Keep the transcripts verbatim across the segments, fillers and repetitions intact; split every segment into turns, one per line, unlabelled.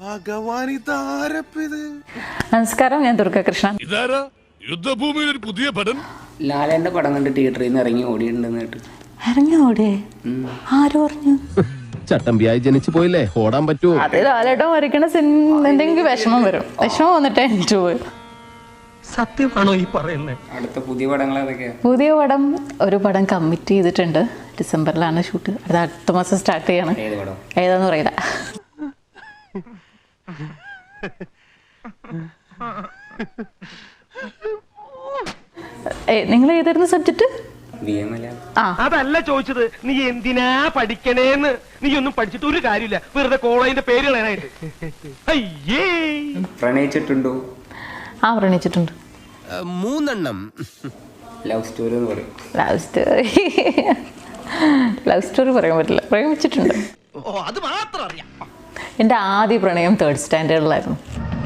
നമസ്കാരം, ഞാൻ ദുർഗകൃഷ്ണൻ.
യുദ്ധഭൂമിയിൽ ഒരു പുതിയ പടം
ലാലേന്റെ പടം കണ്ട് തിയേറ്ററിൽ നിന്ന് ഇറങ്ങി ഓടിയിട്ടുണ്ടെന്ന് കേട്ടു.
ഇറങ്ങി ഓടേ? ആര് പറഞ്ഞു?
ചട്ടമ്പിയായി ജനിച്ചു പോയില്ലേ, ഓടാൻ പറ്റുമോ?
അത് ലാലേട്ടൻ വരയ്ക്കണ സിനിമ എന്തെങ്കിലും വിഷമം വരും. വിഷമം വന്നിട്ട് എനിക്ക് പോയി.
സത്യമാണോ ഈ പറയുന്നത്?
അടുത്ത പുതിയ പടങ്ങൾ ഏതൊക്കെയാ?
പുതിയ പടം ഒരു പടം കമ്മിറ്റ് ചെയ്തിട്ടുണ്ട്. ഡിസംബറിലാണ് ഷൂട്ട്. അത് അടുത്ത മാസം സ്റ്റാർട്ട് ചെയ്യാണ്.
ഏത് പടം?
ഏതാന്ന് പറയില്ല. നിങ്ങൾ ഏതായിരുന്നു സബ്ജക്ട്?
അതല്ല ചോദിച്ചത്, നീ എന്തിനാ പഠിക്കണേന്ന്. നീ ഒന്നും പഠിച്ചിട്ട് ഒരു കാര്യമില്ല, വെറുതെ കോളേജിന്റെ പേര് കളയാനായിട്ട്. അയ്യേ,
പ്രണയിച്ചിട്ടുണ്ടോ?
ആ, പ്രണയിച്ചിട്ടുണ്ട്.
മൂന്നെണ്ണം.
ലവ് സ്റ്റോറി എന്ന് പറയും.
ലവ് സ്റ്റോറി ലവ് സ്റ്റോറി പറയാൻ പറ്റില്ല. പ്രേമിച്ചിട്ടുണ്ട്.
അത് മാത്രം അറിയാം.
എൻ്റെ ആദ്യ പ്രണയം തേർഡ് സ്റ്റാൻഡേർഡിലായിരുന്നു.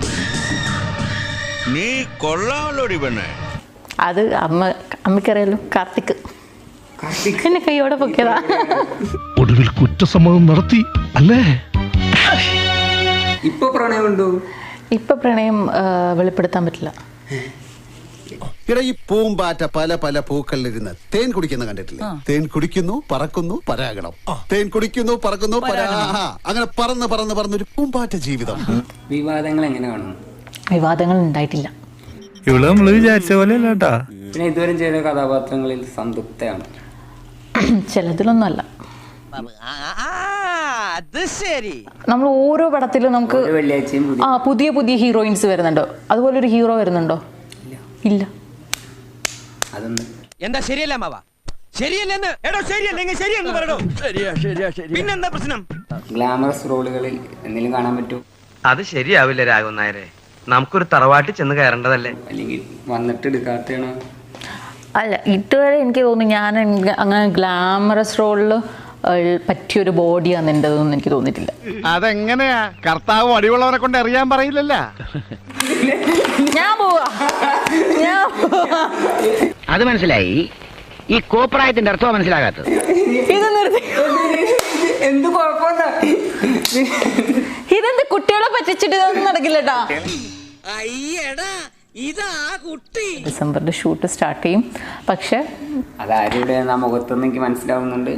നീ കൊള്ളാമല്ലോടി പെണ്ണേ.
അത് അമ്മ അമ്മയ്ക്കറിയാലോ, കാർത്തിക് എന്നെ കൈയോടെ പൊക്കിയതാ.
ഒടുവിൽ കുറ്റസമ്മതം നടത്തി അല്ലേ?
ഇപ്പൊ പ്രണയമുണ്ടോ?
ഇപ്പൊ പ്രണയം വെളിപ്പെടുത്താൻ പറ്റില്ല.
ഇവിടെ ഈ പൂമ്പാറ്റ പല പല പൂക്കളിലിരുന്ന് തേൻ കുടിക്കുന്ന കണ്ടിട്ടില്ലേ? തേൻ കുടിക്കുന്നു, പറക്കുന്നു, പരാഗണം. തേൻ കുടിക്കുന്നു, പറക്കുന്നു, പരാഹ. അങ്ങനെ പറന്ന് പറന്ന് പറന്നൊരു പൂമ്പാറ്റ ജീവിതം.
വിവാദങ്ങൾ എങ്ങനെ കാണുന്നു?
വിവാദങ്ങൾ ഉണ്ടായിട്ടില്ല.
ഇവിടെ നമ്മള് വിചാരിച്ച പോലെ അല്ലാട്ടാ.
പിന്നെ ഇതുവരെ ചെയ്ത കഥാപാത്രങ്ങളിൽ സംതൃപ്തയാണ്?
ചിലതിലൊന്നും അല്ല. നമ്മൾ ഓരോ പടത്തിലും നമുക്ക്
വെള്ളിയാഴ്ചയും
ആ പുതിയ പുതിയ ഹീറോയിൻസ് വരുന്നുണ്ടോ? അതുപോലെ ഒരു ഹീറോ വരുന്നുണ്ടോ? ഇല്ല.
അതൊന്നും
എന്താ ശരിയല്ല മാവ? ശരിയല്ലെന്ന് എടോ, ശരിയല്ലെങ്കിൽ ശരിയെന്ന് പറയടോ. ശരിയാ ശരിയാ ശരി. പിന്നെന്താ പ്രശ്നം?
ഗ്ലാമറസ് റോളുകളിൽ എന്തെങ്കിലും കാണാൻ പറ്റുമോ?
അത് ശരിയാവില്ല രാഘവൻ നായരെ. നമുക്കൊരു തറവാട്ടിൽ ചെന്ന് കയറേണ്ടതല്ലേ?
അല്ലെങ്കിൽ വന്നിട്ട് എടുക്കാത്തയാണോ?
അല്ല, ഇതുവരെ എനിക്ക് തോന്നുന്നു ഞാൻ അങ്ങനെ ഗ്ലാമറസ് റോളിൽ പറ്റിയൊരു ബോഡിയാണ് എൻ്റെതൊന്നും എനിക്ക് തോന്നിയിട്ടില്ല.
അതെങ്ങനെയാ? കർത്താവ് അടിവുള്ളവരെ കൊണ്ട് അറിയാൻ പറയില്ലല്ല.
ഞാൻ പോവാ ഞാൻ പോവാ
അത് മനസ്സിലായി. ഈ കോപ്രായത്തിന്റെ അർത്ഥം മനസ്സിലാകാത്തത്.
ഇത് നിർത്തി.
എന്ത് കുഴപ്പമില്ല.
ഇതെന്ത് കുട്ടികളെ പറ്റിച്ചിട്ട് ഇതൊന്നും നടക്കില്ലട്ടാ. ഡിസംബറിൽ ഷൂട്ട് സ്റ്റാർട്ട് ചെയ്യും. പക്ഷെ
അതാരുടെ മുഖത്തൊന്നും എനിക്ക് മനസ്സിലാവുന്നുണ്ട്.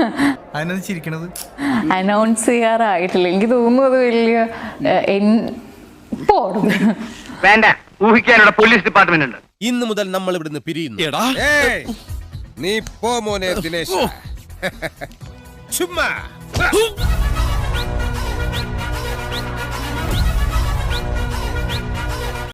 അനൗൺസ് ചെയ്യാറായിട്ടില്ല. എനിക്ക് തോന്നുന്നു അത് വലിയ
വേണ്ട, ഊഹിക്കാനുള്ള പോലീസ് ഡിപ്പാർട്ട്മെന്റ് ഉണ്ട്.
ഇന്ന് മുതൽ നമ്മൾ ഇവിടുന്ന് പിരിയുന്നു.
നീ പോ മോനെ ദിനേശ്. ചുമ്മാ